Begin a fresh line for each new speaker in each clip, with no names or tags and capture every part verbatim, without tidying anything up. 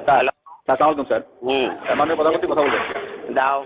Hello.
আসসালামু আলাইকুম sir.
হুম।
মাননীয় প্রধানমন্ত্রী কথা বলবেন।
দাও।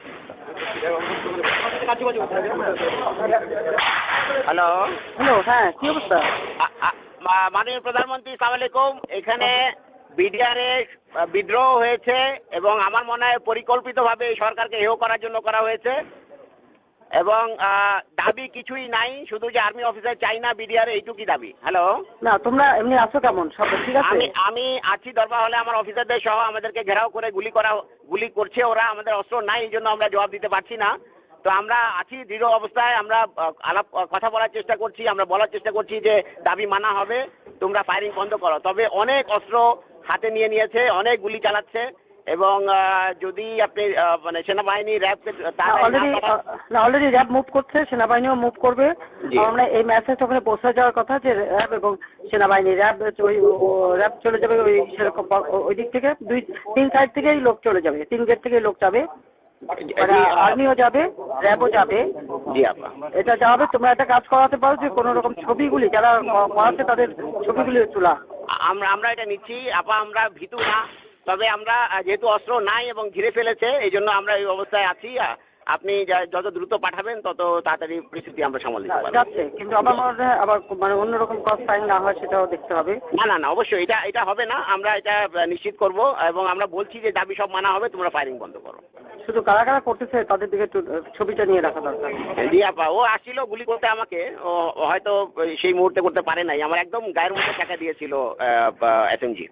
হ্যালো।
হ্যালো, হ্যাঁ, কি অবস্থা?
আ- আ- মা- মাননীয় প্রধানমন্ত্রী সালাম আলাইকুম। এখানে বিডিআরে বিদ্রোহ হয়েছে এবং আমার মনে হয় পরিকল্পিতভাবে এই সরকারকে হেয় করার জন্য করা হয়েছে এবং আহ, দাবি কিছুই নাই, শুধু যে আর্মি অফিসার চাই না বিডিআর, এইটুকুই দাবি। হ্যালো।
না, তোমরা এমনি আছো কেমন? সব ঠিক আছে?
আমি আমি আছি দরবার হলে, আমার অফিসারদের সহ আমাদেরকে ঘেরাও করে গুলি করা গুলি করছে ওরা। আমাদের অস্ত্র নাই, এই জন্য আমরা জবাব দিতে পারছি না। তো আমরা আছি দৃঢ় অবস্থায়, আমরা আহ, আলাপ কথা বলার চেষ্টা করছি, আমরা বলার চেষ্টা করছি যে দাবি মানা হবে, তোমরা ফায়ারিং বন্ধ করো। তবে অনেক অস্ত্র হাতে নিয়ে নিয়েছে, অনেক গুলি চালাচ্ছে এবং আহ, যদি আপনি আহ, মানে সেনাবাহিনী র্যাবকে
অলরেডি না অলরেডি র্যাব মুভ করছে, সেনাবাহিনীও মুভ করবে।
জি।
আমরা এই মেসেজ ওখানে পৌঁছে যাওয়ার কথা যে র্যাব এবং সেনাবাহিনী র্যাব ওই র্যাব চলে যাবে ওই সেরকম ওই দিক থেকে, দুই তিন সাইড থেকেই লোক চলে যাবে, তিন গেট থেকেই লোক যাবে, আর্মিও যাবে, র্যাবও যাবে।
জি আপা।
এটা যাবে। তোমরা একটা কাজ করাতে পারো যে কোনো রকম ছবিগুলি যারা করাচ্ছে তাদের ছবিগুলি তোলা।
আমরা আমরা এটা নিচ্ছি আপা, আমরা ভীতু না। তবে আমরা আহ, যেহেতু অস্ত্র নাই এবং ঘিরে ফেলেছে, এই জন্য আমরা এই অবস্থায় আছি। আহ, আপনি যা- যত দ্রুত পাঠাবেন তত তাড়াতাড়ি পরিস্থিতি আমরা সামাল দিতে পারবো।
যাচ্ছে, কিন্তু আমার মনে হয় আবার মানে অন্যরকম কস্ট ফাইন না হয় সেটাও দেখতে হবে।
না না না, অবশ্যই এটা এটা হবে না, আমরা এটা আহ, নিশ্চিত করব এবং আমরা বলছি যে দাবি সব মানা হবে, তোমরা ফায়ারিং বন্ধ করো।
শুধু কারা কারা করতেছে তাদের দিকে একটু ছবিটা নিয়ে রাখা দরকার।
জি আপা, ও আসছিল গুলি করতে আমাকে, ও ও হয়তো সেই মুহূর্তে করতে পারে নাই, আমার একদম গায়ের মধ্যে টাকা দিয়েছিল এসএমজি।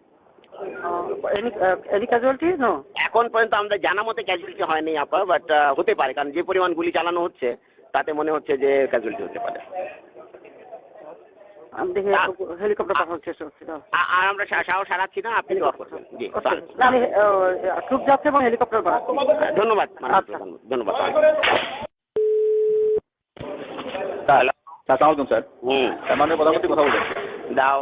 Any casualty no?
এখন পর্যন্ত আমাদের জানা মতে ক্যাজুয়ালিটি হয়নি আপা, বাট হতে পারে, কারণ যে পরিমাণ গুলি চালানো হচ্ছে তাতে মনে হচ্ছে যে ক্যাজুয়ালিটি হতে পারে।
আমি দেখি হেলিকপ্টার পাঠানোর চেষ্টা করছি।
আ- আর আমরা সা- সাহস হারাচ্ছি না, আপনি জবাব করবেন। জি
না, আমি ট্রুপ যাচ্ছে এবং হেলিকপ্টার পাঠাচ্ছি।
ধন্যবাদ মাননীয়
আচ্ছা।
প্রধানমন্ত্রী, ধন্যবাদ।
হ্যালো। আসসালামু আলাইকুম স্যার।
হুম।
মাননীয় প্রধানমন্ত্রী কথা বলবেন।
দাও।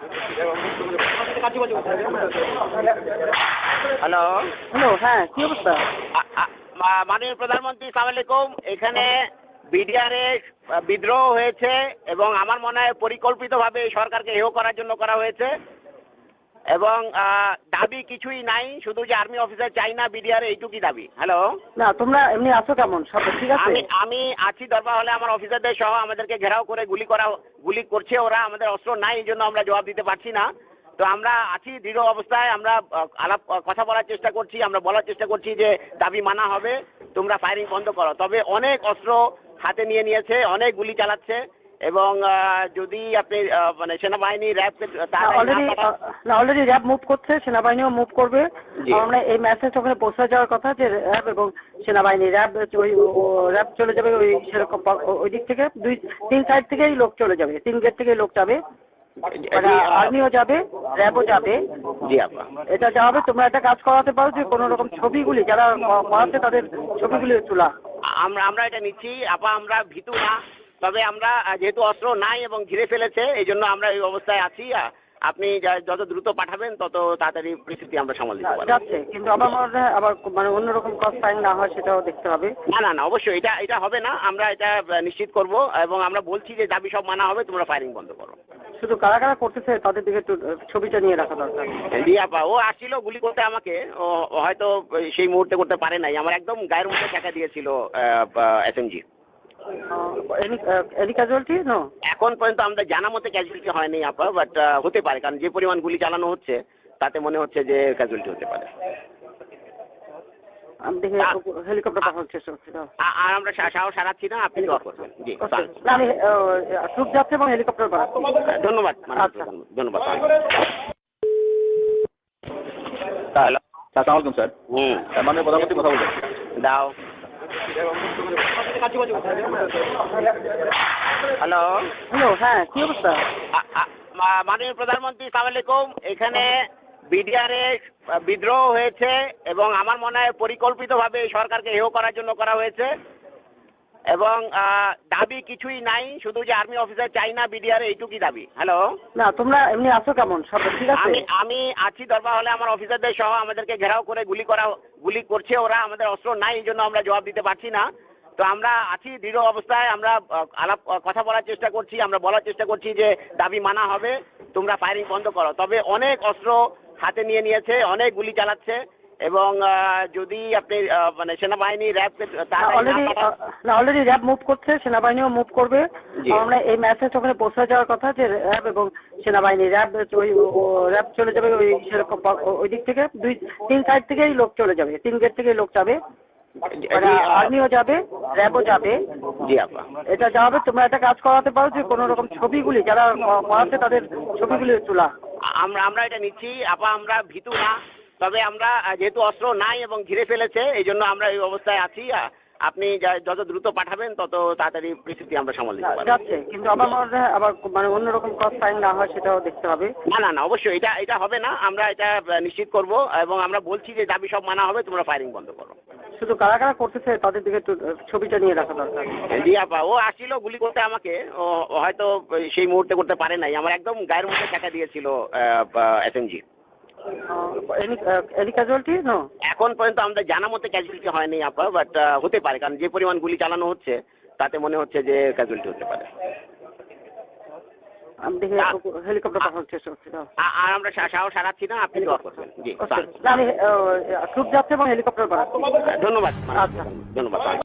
হ্যালো।
হ্যালো, হ্যাঁ, কি অবস্থা?
আ- আ- মা- মাননীয় প্রধানমন্ত্রী সালাম আলাইকুম। এখানে বিডিআরে বিদ্রোহ হয়েছে এবং আমার মনে হয় পরিকল্পিতভাবে এই সরকারকে হেয় করার জন্য করা হয়েছে এবং আহ, দাবি কিছুই নাই, শুধু যে আর্মি অফিসার চাই না বিডিআর, এইটুকুই দাবি। হ্যালো।
না, তোমরা এমনি আছো কেমন? সব ঠিক আছে?
আমি আমি আছি দরবার হলে, আমার অফিসারদের সহ আমাদেরকে ঘেরাও করে গুলি করা গুলি করছে ওরা। আমাদের অস্ত্র নাই, এই জন্য আমরা জবাব দিতে পারছি না। তো আমরা আছি দৃঢ় অবস্থায়, আমরা আহ, আলাপ কথা বলার চেষ্টা করছি, আমরা বলার চেষ্টা করছি যে দাবি মানা হবে, তোমরা ফায়ারিং বন্ধ করো। তবে অনেক অস্ত্র হাতে নিয়ে নিয়েছে, অনেক গুলি চালাচ্ছে এবং আহ, যদি আপনি আহ, মানে সেনাবাহিনী র্যাবকে
অলরেডি না অলরেডি র্যাব মুভ করছে, সেনাবাহিনীও মুভ করবে।
জি।
আমরা এই মেসেজ ওখানে পৌঁছে যাওয়ার কথা যে র্যাব এবং সেনাবাহিনী র্যাব ওই র্যাব চলে যাবে ওই সেরকম ওই দিক থেকে, দুই তিন সাইড থেকেই লোক চলে যাবে, তিন গেট থেকেই লোক যাবে, আর্মিও যাবে, র্যাবও যাবে।
জি আপা।
এটা যাবে। তোমরা একটা কাজ করাতে পারো যে কোনো রকম ছবিগুলি যারা করাচ্ছে তাদের ছবিগুলি তোলা।
আমরা আমরা এটা নিচ্ছি আপা, আমরা ভীতু না। তবে আমরা আহ, যেহেতু অস্ত্র নাই এবং ঘিরে ফেলেছে, এই জন্য আমরা এই অবস্থায় আছি। আহ, আপনি যা- যত দ্রুত পাঠাবেন তত তাড়াতাড়ি পরিস্থিতি আমরা সামাল দিতে পারবো।
যাচ্ছে, কিন্তু আমার মনে হয় আবার মানে অন্যরকম কস্ট ফাইন না হয় সেটাও দেখতে হবে।
না না না, অবশ্যই এটা এটা হবে না, আমরা এটা আহ, নিশ্চিত করব এবং আমরা বলছি যে দাবি সব মানা হবে, তোমরা ফায়ারিং বন্ধ করো।
শুধু কারা কারা করতেছে তাদের দিকে একটু ছবিটা নিয়ে রাখা দরকার।
জি আপা, ও আসছিল গুলি করতে আমাকে, ও ও হয়তো সেই মুহূর্তে করতে পারে নাই, আমার একদম গায়ের মধ্যে টাকা দিয়েছিল এসএমজি।
Any casualty no?
এখন পর্যন্ত আমাদের জানা মতে ক্যাজুয়ালিটি হয়নি আপা, বাট হতে পারে, কারণ যে পরিমাণ গুলি চালানো হচ্ছে তাতে মনে হচ্ছে যে ক্যাজুয়ালিটি হতে পারে।
আমি দেখি হেলিকপ্টার পাঠানোর চেষ্টা করছি।
আ- আর আমরা সা- সাহস হারাচ্ছি না, আপনি জবাব করবেন। জি
না, আমি ট্রুপ যাচ্ছে এবং হেলিকপ্টার পাঠাচ্ছি।
ধন্যবাদ মাননীয়
আচ্ছা।
প্রধানমন্ত্রী, ধন্যবাদ।
হ্যালো। আসসালামু আলাইকুম স্যার।
হুম।
মাননীয় প্রধানমন্ত্রী কথা বলবেন।
দাও। হ্যালো।
হ্যালো, হ্যাঁ, কি অবস্থা?
আ- আ- মা- মাননীয় প্রধানমন্ত্রী সালাম আলাইকুম। এখানে বিডিআরে বিদ্রোহ হয়েছে এবং আমার মনে হয় পরিকল্পিতভাবে এই সরকারকে হেয় করার জন্য করা হয়েছে এবং আহ, দাবি কিছুই নাই, শুধু যে আর্মি অফিসার চাই না বিডিআর, এইটুকুই দাবি। হ্যালো।
না, তোমরা এমনি আছো কেমন? সব ঠিক আছে?
আমি আমি আছি দরবার হলে, আমার অফিসারদের সহ আমাদেরকে ঘেরাও করে গুলি করা গুলি করছে ওরা। আমাদের অস্ত্র নাই, এই জন্য আমরা জবাব দিতে পারছি না। তো আমরা আছি দৃঢ় অবস্থায়, আমরা আহ, আলাপ কথা বলার চেষ্টা করছি, আমরা বলার চেষ্টা করছি যে দাবি মানা হবে, তোমরা ফায়ারিং বন্ধ করো। তবে অনেক অস্ত্র হাতে নিয়ে নিয়েছে, অনেক গুলি চালাচ্ছে এবং আহ, যদি আপনি আহ, মানে সেনাবাহিনী র্যাব
অলরেডি না অলরেডি র্যাব মুভ করছে, সেনাবাহিনীও মুভ করবে।
জি।
আমরা এই মেসেজ ওখানে পৌঁছে যাওয়ার কথা যে র্যাব এবং সেনাবাহিনী র্যাব ওই র্যাব চলে যাবে ওই সেরকম ওই দিক থেকে দুই তিন সাইড থেকেই লোক চলে যাবে, তিন গেট থেকেই লোক যাবে, মানে আর্মিও যাবে র্যাবও যাবে।
জি আপা,
এটা যাবে। তোমরা একটা কাজ করাতে পারো যে কোনো রকম ছবিগুলি যারা করাচ্ছে তাদের ছবিগুলি তোলা।
আমরা আমরা এটা নিচ্ছি আপা, আমরা ভীতু না, তবে আমরা আহ, যেহেতু অস্ত্র নাই এবং ঘিরে ফেলেছে এই জন্য আমরা এই অবস্থায় আছি। আহ, আপনি যা- যত দ্রুত পাঠাবেন তত তাড়াতাড়ি পরিস্থিতি আমরা সামাল দিতে পারবো।
যাচ্ছে, কিন্তু আবার মনে হয় আবার মানে অন্যরকম কস ফাইন না হয় সেটাও দেখতে হবে।
না না না অবশ্যই এটা এটা হবে না, আমরা এটা আহ, নিশ্চিত করব এবং আমরা বলছি যে দাবি সব মানা হবে, তোমরা ফায়ারিং বন্ধ করো।
শুধু কারা কারা করতেছে তাদের দিকে একটু ছবিটা নিয়ে রাখা দরকার।
জি আপা, ও আসছিল গুলি করতে আমাকে, ও ও হয়তো সেই মুহূর্তে করতে পারে নাই, আমার একদম গায়ের মধ্যে টাকা দিয়েছিল এসএমজি।
এনি ক্যাজুয়ালিটি নো
এখন পর্যন্ত আমাদের জানা মতে ক্যাজুয়ালিটি হয়নি আপা, বাট হতে পারে, কারণ যে পরিমাণ গুলি চালানো হচ্ছে তাতে মনে হচ্ছে যে ক্যাজুয়ালিটি হতে পারে।
আমি দেখি হেলিকপ্টার পাঠানোর চেষ্টা করছি।
আ- আর আমরা সা- সাহস হারাচ্ছি না, আপনি দোয়া করবেন। জি
আমি ট্রুপ যাচ্ছে এবং হেলিকপ্টার পাঠাচ্ছি।
ধন্যবাদ,
আচ্ছা।
ধন্যবাদ।